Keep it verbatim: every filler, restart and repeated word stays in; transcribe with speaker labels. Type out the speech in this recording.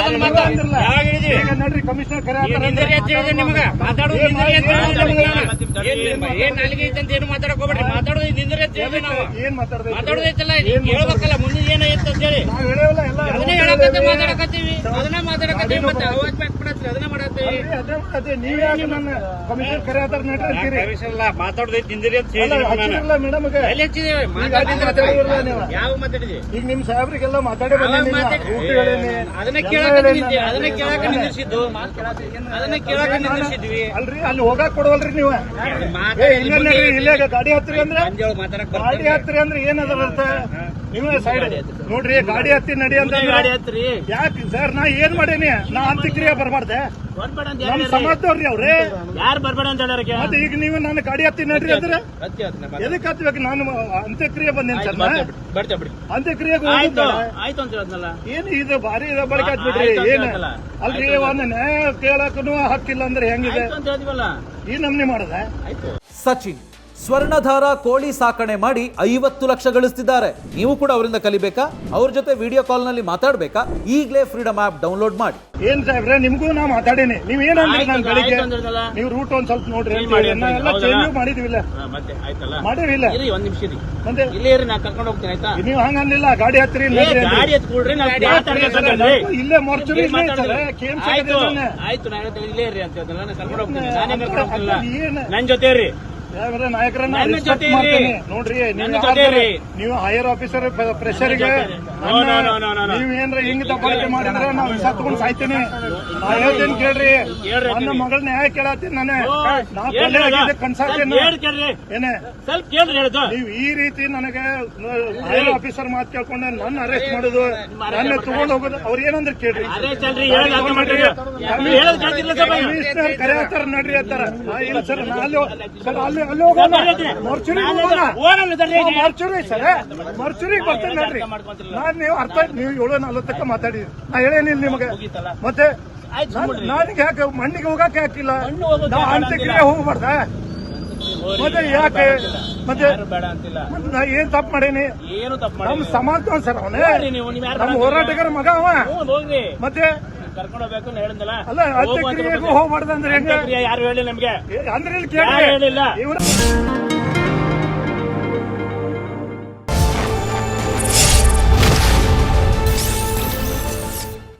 Speaker 1: ನೋಡ್ರಿ ಕಮಿಷನರ್ ಕರೆ
Speaker 2: ಮಾತಾಡೋದು ಏನ್ ನಾಲಿಗೆ ಐತೆ ಅಂತ ಏನು ಮಾತಾಡಕ್ ಹೋಗ್ಬೇಡ್ರಿ. ಮಾತಾಡೋದು ನಿಂದ್ರೆ ನಾವು
Speaker 1: ಏನ್ ಮಾತಾಡ್ದೆ
Speaker 2: ಮಾತಾಡೋದೈತಲ್ಲ ಹೇಳ್ಬೇಕಲ್ಲ ಮುಂದೆ ಏನೈತೆ ಅಂತ ಹೇಳಿ
Speaker 1: ನಾವ್ ಹೇಳೇವಲ್ಲ ಎಲ್ಲ
Speaker 2: ಅದನ್ನೇ ಹೇಳಕತ್ತೆ ಮಾತಾಡಕತ್ತೀವಿ ಅದನ್ನ ಮಾತಾಡಕತ್ತೀವಿ ಮತ್ತೆ ಅವಾಜ್ ಬ್ಯಾಕ್ ಮಾಡತ್ತೀವಿ ಅದನ್ನ ಮಾಡತ್ತೀವಿ.
Speaker 1: ಅದೇ ನೀವ್ ಯಾಕೆ ನನ್ನ ಕಮಿಷನರ್ ಕರೆ ಆತಾರ ನಡ್ರಿ ಅಂತೀರಿ
Speaker 2: ಮಾತಾಡೋದೈತಿ ನಿಂದ್ರಿ ಅಂತ ಹೇಳಿ
Speaker 1: ಮೇಡಮ್
Speaker 2: ಎಲ್ಲಿ ಹಚ್ಚಿದೇವೆ ಯಾವ ಮಾತಾಡಿದ್ವಿ
Speaker 1: ಈಗ ನಿಮ್ ಸಾಹೇಬ್ರಿಗೆಲ್ಲ ಮಾತಾಡಿ
Speaker 2: ಅದನ್ನ ಕೇಳಕ ಅದನ್ನ ಕೇಳಕ ನಿಂದಿಸಿದ್ದು ಅದನ್ನ ಕೇಳಕ ನಿಂದಿಸಿದ್ವಿ
Speaker 1: ಅಲ್ರಿ ಅಲ್ಲಿ ಹೋಗಾಕ್ ಕೊಡವಲ್ರಿ ನೀವು ಇಲ್ಲೇ ಗಾಡಿ ಹತ್ತಿರಿ ಅಂದ್ರೆ ಗಾಡಿ ಹತ್ತಿರಿ ಅಂದ್ರೆ ಏನದ ಅರ್ಥ ನೀವೇ ಸೈಡ್ ನೋಡ್ರಿ ಗಾಡಿ ಹತ್ತಿ ನಡಿ ಅಂತ ಯಾಕೆ ಸರ್ ನಾ ಏನ್ ಮಾಡೇನಿ ನಾ ಅಂತ್ಯಕ್ರಿಯೆ ಬರ್ಬಾರ್ದೆ ನಮ್ ಸಮಾಜದವ್ರಿ ಅವ್ರಿ
Speaker 2: ಯಾರು ಬರ್ಬೇಡ ಅಂತ ಹೇಳೋರ್
Speaker 1: ಮತ್ತೆ ಈಗ ನೀವು ನಾನು ಗಾಡಿ ಹತ್ತಿ ನಡ್ರಿ ಅಂದ್ರೆ ಎದಕ್ ಹತ್ಬೇಕು ನಾನು ಅಂತ್ಯಕ್ರಿಯೆ ಬಂದೇನಿ ಸರ್ ಅಂತ್ಯಕ್ರಿಯೆಗೆ
Speaker 2: ಆಯ್ತು ಆಯ್ತು ಅಂತ ಹೇಳದ್ನಲ್ಲ
Speaker 1: ಏನ್ ಇದು ಭಾರಿ ಬಳಕೆ ಹತ್ಬಿಡ್ರಿ ಏನ್ ಅಲ್ರಿ ಒಂದ್ ನ್ಯಾಯ ಕೇಳಕ್ಕೂ ಹಕ್ಕಿಲ್ಲ ಅಂದ್ರೆ ಹೆಂಗಿದೆ ಈ ನಮ್ನಿ ಮಾಡದ
Speaker 3: ಸಚಿನ್ ಸ್ವರ್ಣಧಾರ ಕೋಳಿ ಸಾಕಣೆ ಮಾಡಿ ಐವತ್ತು ಲಕ್ಷ ಗಳಿಸ್ತಿದ್ದಾರೆ. ನೀವು ಕೂಡ ಅವರಿಂದ ಕಲಿಬೇಕಾ? ಅವ್ರ ಜೊತೆ ವಿಡಿಯೋ ಕಾಲ್ ನಲ್ಲಿ ಮಾತಾಡ್ಬೇಕಾ? ಈಗಲೇ ಫ್ರೀಡಮ್ ಆಪ್ ಡೌನ್ಲೋಡ್ ಮಾಡಿ.
Speaker 1: ಏನ್ ಸಾಹೇಬ್ರೆ ನಿಮ್ಗೂ ನಾ ಮಾತಾಡೀನಿ ನೀವ್ ಏನಂದ್ರಿ ನಾನು ಬೆಳಿಗ್ಗೆ ನೀವು ರೂಟ್ ಒಂದ್ ಸ್ವಲ್ಪ ನೋಡ್ರಿ ಎಲ್ಲ ಚೇಂಜ್ ಮಾಡಿದಿವಿಲ್ಲ ಮಾಡಿವಿಲ್ಲ
Speaker 2: ಒಂದ್ ನಿಮಿಷ
Speaker 1: ಮತ್ತೆ
Speaker 2: ಇಲ್ಲೇ ನಾ ಕರ್ಕೊಂಡು ಹೋಗ್ತೀನಿ ಆಯ್ತಾ?
Speaker 1: ನೀವು ಹಂಗನ್ಲಿಲ್ಲ ಗಾಡಿ ಹತ್ತಿರಿ
Speaker 2: ಗಾಡಿ ಎತ್ಕೊಳ್ರಿ
Speaker 1: ಇಲ್ಲೇ ಮೊರ್ಚುರಿ
Speaker 2: ಆಯ್ತು ನಾ ಹೇಳ್ತೇವೆ ಇಲ್ಲೇ ಇರ್ರಿ ಅಂತ ಕರ್ಕೊಂಡು ಹೋಗ್ತೀನಿ ನಾನೇ ಕರ್ಕೊಂಡು ಹೋಗ್ತಿಲ್ಲ ನನ್ ಜೊತೆ ರೀ
Speaker 1: ನಾಯಕರನ್ನ ನೋಡ್ರಿ ನೀವು ಹೈಯರ್ ಆಫೀಸರ್ ಪ್ರೆಷರ್ಗೆ ನೀವೇನ್ರ ಹಿಂಗ್ ದಬ್ಬಾಳಿಕೆ ಮಾಡಿದ್ರೆ ನಾವು ಸತ್ಕೊಂಡ್ ಸಾಯ್ತೀನಿ. ನಾ ಹೇಳ್ತೇನೆ ಕೇಳ್ರಿ ನನ್ನ ಮಗಳ ನ್ಯಾಯ ಕೇಳತ್ತೀನಿ ನಾನೇ ನಾ ಕನ್ಸಾಕ್ತೇನೆ ಏನೇ ನೀವ್ ಈ ರೀತಿ ನನಗೆ ಹೈಯರ್ ಆಫೀಸರ್ ಮಾತು ಕೇಳ್ಕೊಂಡೆ ನನ್ನ ಅರೆಸ್ಟ್ ಮಾಡುದು ನನ್ನ ತಗೊಂಡ್ ಹೋಗೋದು ಅವ್ರ ಏನಂದ್ರೆ ಕೇಳ್ರಿ ಕಮಿಷನರ್ ಕರೆ ಆತಾರ ನಡ್ರಿ ಅಂತಾರ ಇಲ್ಲ ಸರ್ ಅಲ್ಲಿ ಸರ್ ಅಲ್ಲಿ ಅಲ್ಲಿ ಹೋಗೋಣ ಮರ್ಚುರಿ ಮರ್ಚುರಿ ಸರ್ ಮರ್ಚುರಿಗೆ ಬರ್ತೇನೆ ನೋಡ್ರಿ ನಾನ್ ನೀವು ಅರ್ಥ ನೀವು ಏಳು ನಲ್ವತ್ತಕ್ಕ ಮಾತಾಡಿದ್ರಿ ನಾ ಹೇಳೇನಿಲ್ಲ ನಿಮಗೆ ಮತ್ತೆ ನನಗೆ ಯಾಕೆ ಮಣ್ಣಿಗೆ ಹೋಗಕ್ಕೆ ಹಾಕಿಲ್ಲ ನಾ ಅಂತ್ಯಕ್ರಿಯೆ ಹೋಗ್ಬಾರ್ದ ಮತ್ತೆ ಯಾಕೆ ಮತ್ತೆ ನಾ ಏನ್ ತಪ್ಪು ಮಾಡೇನಿ ನಮ್ ಸಮಾಜ ಸರ್ ಅವನೇ ನಮ್ ಹೋರಾಟಗಾರ ಮಗ ಅವ ಮತ್ತೆ
Speaker 2: ಕರ್ಕೊಂಡು ಹೋಗ್ಬೇಕು ಹೇಳಿದ್ನಲ್ಲ
Speaker 1: ಅಲ್ಲ ಅಂತ್ಯಕ್ರಿಯೆಗೂ ಹೋಗ್ಬಾರ್ದು ಅಂದ್ರೆ ಹೆಂಗ
Speaker 2: ಯಾರು ಹೇಳಿ ನಮ್ಗೆ
Speaker 1: ಅಂದ್ರೆ ಇಲ್ಲಿ ಕೇಳಿ
Speaker 2: ಹೇಳಿಲ್ಲ.